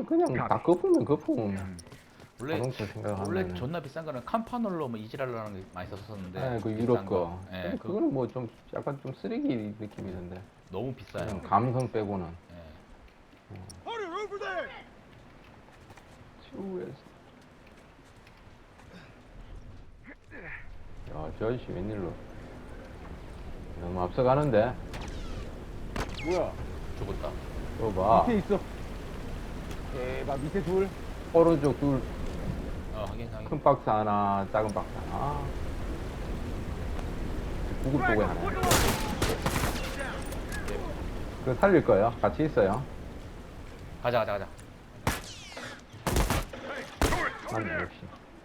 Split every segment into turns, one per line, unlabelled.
그냥 다 거품면 거품.
원래
자동차 생각하면.
원래 존나 비싼 거는 캄파놀로 뭐 이지랄라는 게 많이 썼었는데.
아, 그
비싼
유럽 거.
예,
근데 그거는 뭐 좀 약간 좀 쓰레기 느낌이던데.
너무 비싸요.
그냥 감성 빼고는.
예.
치우에서. 야, 저 아저씨 웬일로? 너무 앞서가는데?
뭐야?
죽었다.
또 봐.
밑에 있어. 대박, 밑에 둘.
오른쪽 둘,
확인.
큰 박스 하나, 작은 박스 하나. 구급 보고 하나. 그거 살릴 거예요? 같이 있어요?
가자.
맞네, 역시.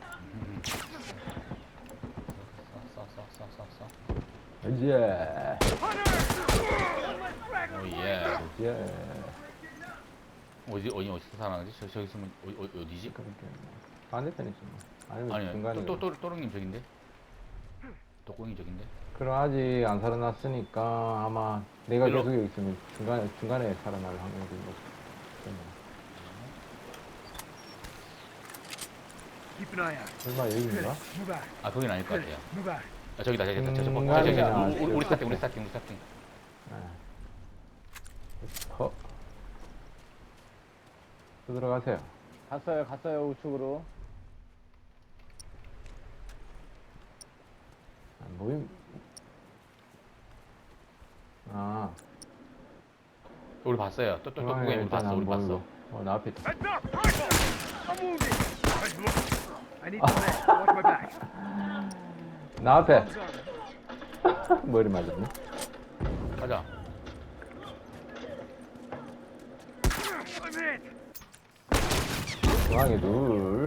써.
이제,
예.
이제.
어디서 살아나지? 저기 있으면 어디지?
그렇게 반대편이지 뭐. 아니면
아니,
중간에.
또롱님 저긴데? 또꽁이 저긴데?
그럼 아직 안 살아났으니까 아마 내가
일로.
계속 여기 있으면 중간에 살아날 확률이 높겠네.
Keep an eye out.
설마 여기인가?
Move out.
아, 거긴 아닐 것 같아요.
Move out.
아, 저기다.
중간이야.
우리 스타팅.
허. 또 들어가세요.
갔어요, 우측으로.
안 보임. 아,
우리 봤어요. 또꽁이 우리 봤어. 우리 봤어.
나 앞에 있다.
Heads up! Rifle! I'm wounded! Hey, look. I need some meds. Watch my back.
나 앞에.
Arms on.
머리 맞았네.
가자.
I'm hit!
중앙에 둘.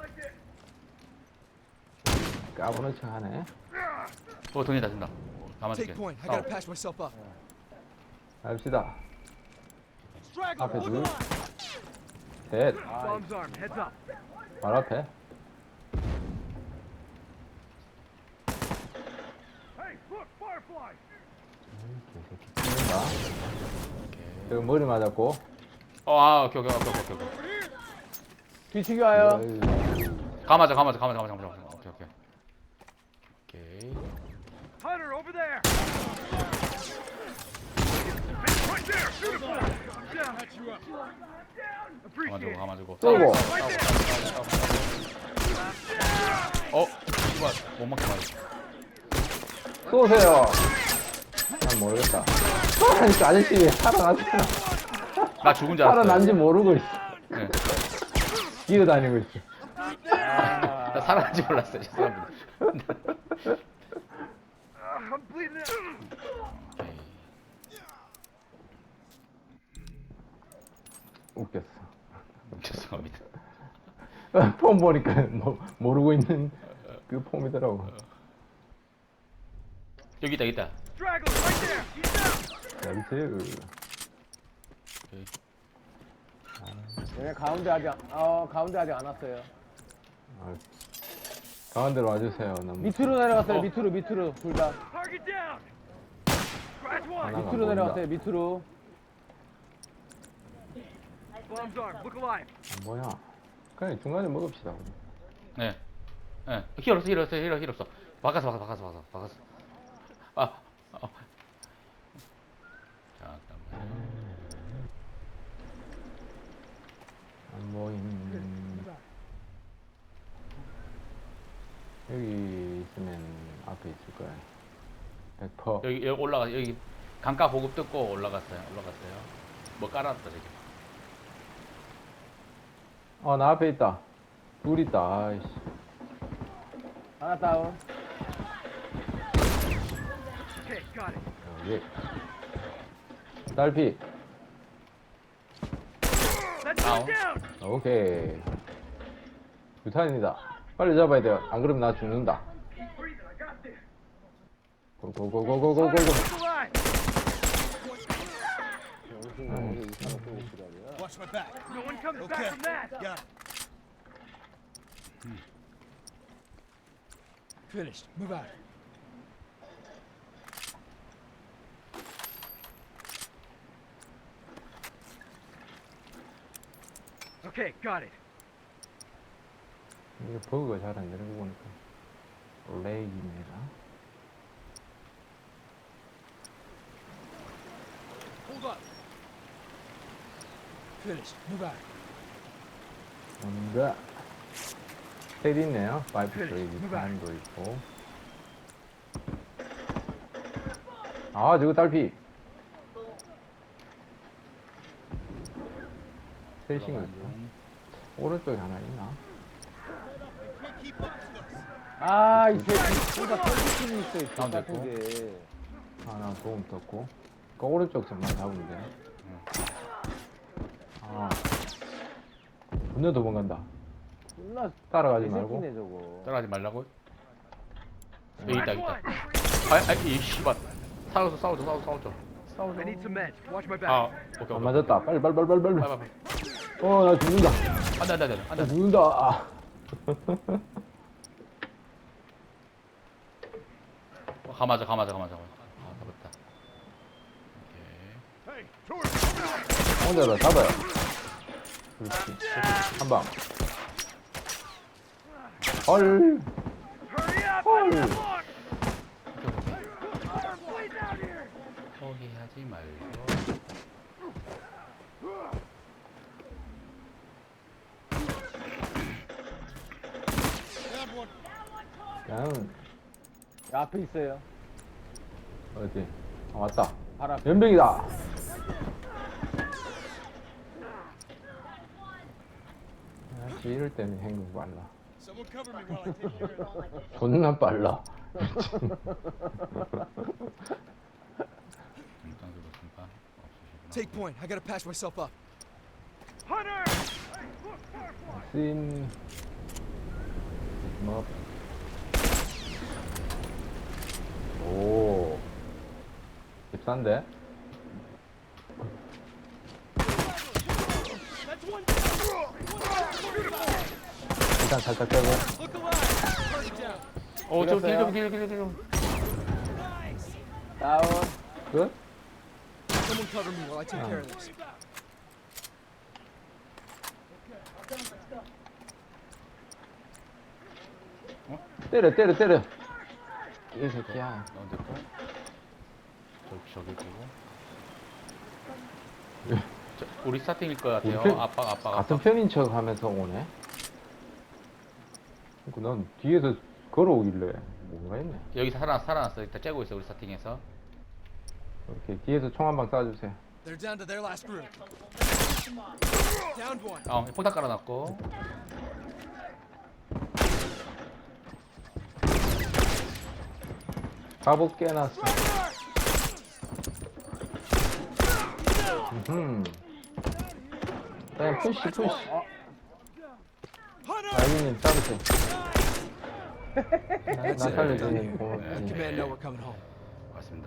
까부는 척 하네.
돈이다 준다. 가만있게.
Take point. I gotta patch myself up.
갑시다. 앞에 둘. 셋.
Bombs armed. Heads up.
바로 앞에.
Hey, look! Firefly!
개새끼 죽는다. 여기 머리 맞았고.
오케이.
뒤치기 와요.
가마자. 오케이.
Hunter, over there! Right there! Beautiful! Down. Appreciate it.
가마주고.
쏘고.
Right there!
씨발, 못 맞게 맞았어.
쏘세요. 난 모르겠다. 아니, 그 아저씨 왜 살아났잖아.
나 죽은 줄 알았어.
살아난지 모르고 있어.
네.
기어다니고 있어.
나 살아난지 몰랐어요. 죄송합니다.
I'm bleeding out.
웃겼어.
죄송합니다.
폼 보니까 모르고 있는 그 폼이더라고.
여기 있다.
Straggler, right there! He's down!
나이스.
오케이.
얘네 가운데 아직 안 왔어요.
아, 가운데로 와주세요. 너무
밑으로 내려갔어요, 밑으로. 둘 다.
Target down! Scratch one!
하나가
밑으로
보인다.
내려갔어요, 밑으로.
Bombs armed. Look alive.
뭐야? 그냥 중간에 먹읍시다. 우리.
네. 힐 없어. 바꿔서. 잠깐만.
안 보임. 여기 있으면 앞에 있을 거야. 100%.
여기 여기 강가 보급 뜯고 올라갔어요. 뭐 깔았다 저기.
나 앞에 있다. 둘 있다. 아이씨.
하나 다운.
Okay, got it.
여기. 딸피.
Let's
Ow.
go down!
오케이. 유탄입니다. 빨리 잡아야 돼요. 안 그러면 나 죽는다.
Breathe, I got this.
고고고고고고고고.
Hunter, look alive!
Watch my back.
No one comes
Okay.
back from that!
Got it. Finished. Move out.
Okay, got it.
이게 버그가 잘 안 되는 거 보니까 렉입니다.
Hold up. Finished. Move out.
뭔가 스테디 있네요. 파이프
그래,
브레이크
누가?
타임도 있고. 아 저거 딸피. 셋인 거 있어. 오른쪽에 하나 있나?
아, 이 새끼. 둘다 펼치고 있어, 이
가운데
같은 게.
하나 도움 떴고. 그 오른쪽 점만 잡으면 돼. 아. 분노 도망간다.
존나
따라가지 말고.
새끼네, 저거.
따라하지 말라고? 여기
Last
있다, 있다.
one.
이 씨발. 싸우죠.
I need some meds. Watch my back.
아, 오케이.
안 맞았다. 빨리.
빨리.
나 죽는다.
안
나
돼.
죽는다. 아.
가마자. 아, 잡았다. 오케이.
혼자다 잡아요. 그렇지. 한 방. 헐.
Hurry up!
헐.
Come on! Please out here!
포기하지 말고.
그냥
앞에 있어요.
어디? 아, 왔다.
바로 앞에.
연병이다. 역시 이럴 때는 행동 빨라.
Someone cover me while I take care of it.
존나 빨라.
중장수도 중파 없으시구나.
Take point. I gotta patch myself up.
Hunter!
씬. 뭐. 오. 깁싼데? 일단 살짝 빼고.
길.
다운.
끝?
Someone cover me while I take care of this.
때려. 이 새끼야.
넌 됐고. 저기 보고. 우리 스타팅일 것 같아요.
우리 편-
아빠.
같은 편인 척 하면서 오네. 난 뒤에서 걸어오길래 뭔가 했네.
여기 살아났어. 일단 째고 있어 우리 스타팅에서.
이렇게 뒤에서 총 한 방 쏴주세요.
They're down to their last group. Downed one.
폭탄 깔아놨고.
갑옷 깨놨어. 그냥 푸시. 아이님 싸우세요. 나 살려주는
Let
고맙지.
command know we're coming home.